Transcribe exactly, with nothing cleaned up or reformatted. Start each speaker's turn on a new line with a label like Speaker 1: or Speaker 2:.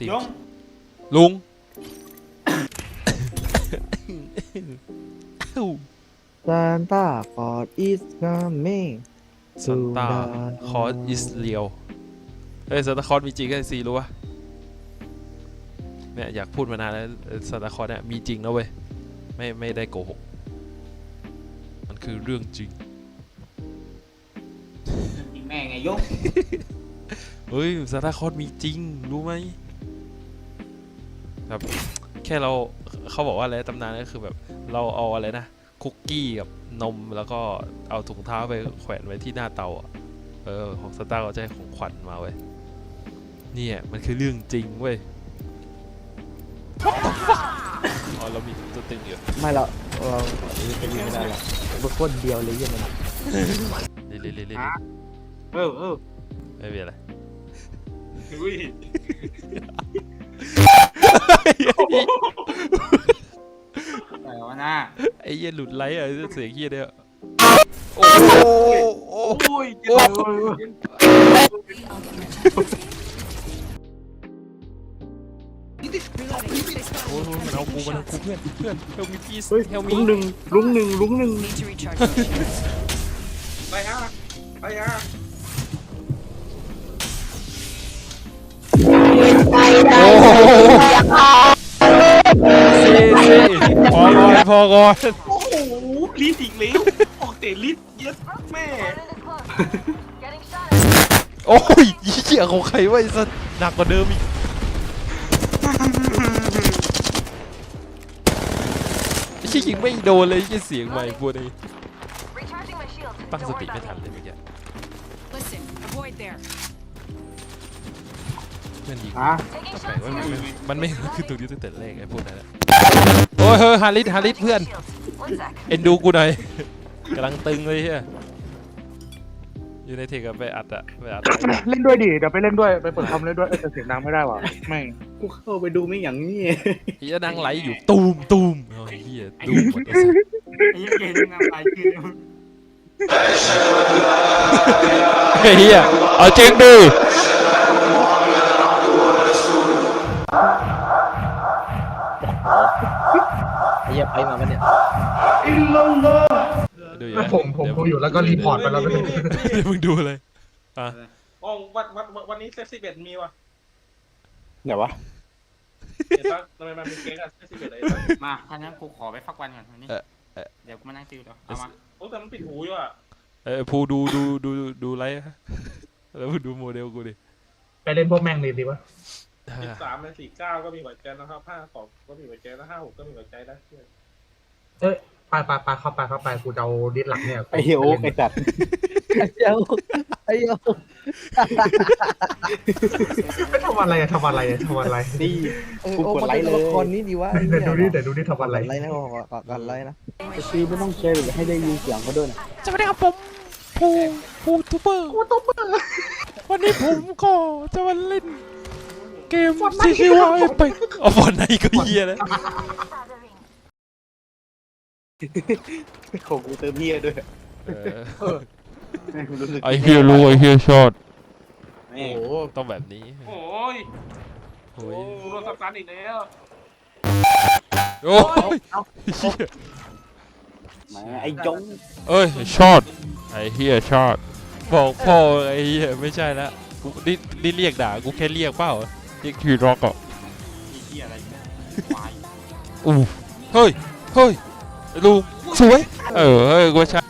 Speaker 1: ตีม
Speaker 2: ยง
Speaker 1: ลุง
Speaker 3: ซานต้าคอร์ดอิสกาเม
Speaker 1: ซันต้าคอร์สอิสเรียลเฮ้ยซันต้าคอร์สมีจริงไอ้ซีรู้ปะเนี่ยอยากพูดมานานแล้วซันต้าคอร์สเนี่ยมีจริงนะเว้ยไม่ไม่ได้โกหกมันคือเรื่องจริง
Speaker 2: ยิงแม่ไงยง
Speaker 1: เฮ้ยซันต้าคอร์สมีจริงรู้ไหมแบบแค่เราเขาบอกว่าอะไรตำนานก็คือแบบเราเอาอะไรนะคุกกี้กับนมแล้วก็เอาถุงเท้าไปแขวนไว้ที่หน้าเตาอ่ะเออของซันต้าเขาจะให้ของขวัญมาเว้ยเนี่ยมันคือเรื่องจริงเว้ยอ๋อเรามีตัวตึงอยู่
Speaker 3: ไม่หรอกเราเป็นไม่ได้หรอกบุคคลเดียวเลยยังไง
Speaker 1: เรื่อยๆเรื่อย
Speaker 2: เออเออ
Speaker 1: ๆไม่มีอะไร
Speaker 2: อุ้ยอะไรวะน่า
Speaker 1: ไอ้เหี้ยหลุดไลท์อะเสียงเหี้ยเนี่ยโอ้โหโอ้โห
Speaker 2: โอ้ย
Speaker 1: โอ้โหโอ้โหมันเอากูมันเอากูเพื่อนเพื่อนเฮลมีพีสเฮลมี
Speaker 3: ลุงหนึ่งลุงหนึ่งลุงหนึ่ง
Speaker 4: Need to recharge my shields.
Speaker 2: ไปฮะไปฮะ
Speaker 1: โอ้โหซีซีพอก่อนพอก่อน
Speaker 2: โอ้โหลิ้นอีกแล้วออกเตะลิ้นเย็ดแม่
Speaker 1: โอ้ยเหี้ยของใครวะไอ้สัสหนักกว่าเดิมอีกไอ้เหี้ยยิงไม่โดนเลยไอ้เหี้ยเสียงใหม่พวกนี้ตั้งสติไม่ทันเลยเมื่อกี้
Speaker 4: Listen, avoid there.
Speaker 1: มันยิง
Speaker 2: ฮะ
Speaker 1: แปลกว่ามันไม่มันไม่คือตรงนี้ตั้งแต่แรกไอ้พวกนั้นแหละโอ้ยเฮ้ยฮาริสฮาริสเพื่อนเอ็นดูกูหน่อยกำลังตึงเลยเฮียอยู่ในเทกับไปอัดอะไปอัด
Speaker 5: เล่นด้วยดิเดี๋ยวไปเล่นด้วยไปเปิดคอมเล่นด้วยเออแต่เสียงดังไม่ได้ว่ะแม่ง
Speaker 2: กูเข้าไปดูไม่อย่างนี้
Speaker 1: เฮียนั่งไหลอยู่ตูมตูมโอ้ยเฮียตูมหมดเลย
Speaker 2: ไอ้ยังเกมงานไปคือ
Speaker 1: เฮียเอาจริงดิ
Speaker 3: ไอ้เหี้ยไปมาปะเนี่ย
Speaker 1: ดูอยู่
Speaker 5: แล้วผมผมดูอยู่แล้วก็รีพอร์ตไปแล้วไม่ได้
Speaker 1: เดี๋ยวมึงดูเลยอ่ะ
Speaker 2: อ๋อวันวันวันนี้เซฟสิบเอ็ดมีวะ
Speaker 3: ไหนวะ
Speaker 2: เห็นปะทำไมมันเป็นเก๊กอะเซฟสิบเอ็ดเลยมาท่านั้นกูขอไปฟักวันก่อนวันนี้เดี๋ยวกูมานั่งติวเดี๋ยวเอามาโอ้แต่มันปิดหูอยู่อ่ะ
Speaker 1: เออภูดูดูดูดูไลฟ์แล้วดูโมเดลกูดิ
Speaker 5: ไปเล่นพวกแม่งเลยดีวะ
Speaker 2: สิบสามในสี่เก้าก็มีหัวใจนะครับห้าสองก็มีหัวใจแล้วห้าหกก็มีหัวใจแล้ว
Speaker 5: เอ้ยไปไปไปเข้าไปเข้าไปกูจะเอาดิสหลักเนี่ย
Speaker 3: ไอ้เหี้ยโอ๊กไอ้จัดไอ้เหี้ยโอ๊กไอ้เหี้ยโอ๊ก
Speaker 5: ไม่ทำอะไรอะทำอะไรอะทำอะไร
Speaker 3: ดีเออโอ๊กมันเป็นตัวละครนี้ดีวะ
Speaker 5: เดี๋ยวดูดิเดี๋ยวดูดิทำอะไร
Speaker 3: ไล่นะก่อนก่อนไล่นะไอ้ซีไม่ต้องเชยร์หรือให้ได้ยินเสียงเขาด้วยนะ
Speaker 1: สวัสดีครับผมภูภูทูเบอร์ภูทูเบอร์วันนี้ผมก็จะมาเล่นเกมที่ชื่อว่าไปเอาฟอนไหนก็เฮียแล้ว
Speaker 3: ของกูเติมเหี้ยด้วย
Speaker 1: ไอเฮียรู้ไอเฮียชอต
Speaker 2: โอ้
Speaker 1: ต้องแบบนี้
Speaker 2: โอ้ย
Speaker 1: โอ้
Speaker 2: โอ้
Speaker 1: ย
Speaker 2: โดนสับสานอีกแล้ว
Speaker 1: โอ้ยเฮีย
Speaker 3: ไอ้จง
Speaker 1: เอ้ยชอตไอเฮียชอตบอกพ่อไอเฮียไม่ใช่ละกูนี่นี่เรียกด่ากูแค่เรียกเปล่าเรียกทีร็อกอ่ะ
Speaker 2: มีที่อะไรวาย
Speaker 1: อู้เฮ้ยเฮ้ยลูกสวยเออเฮ้ยกูใช้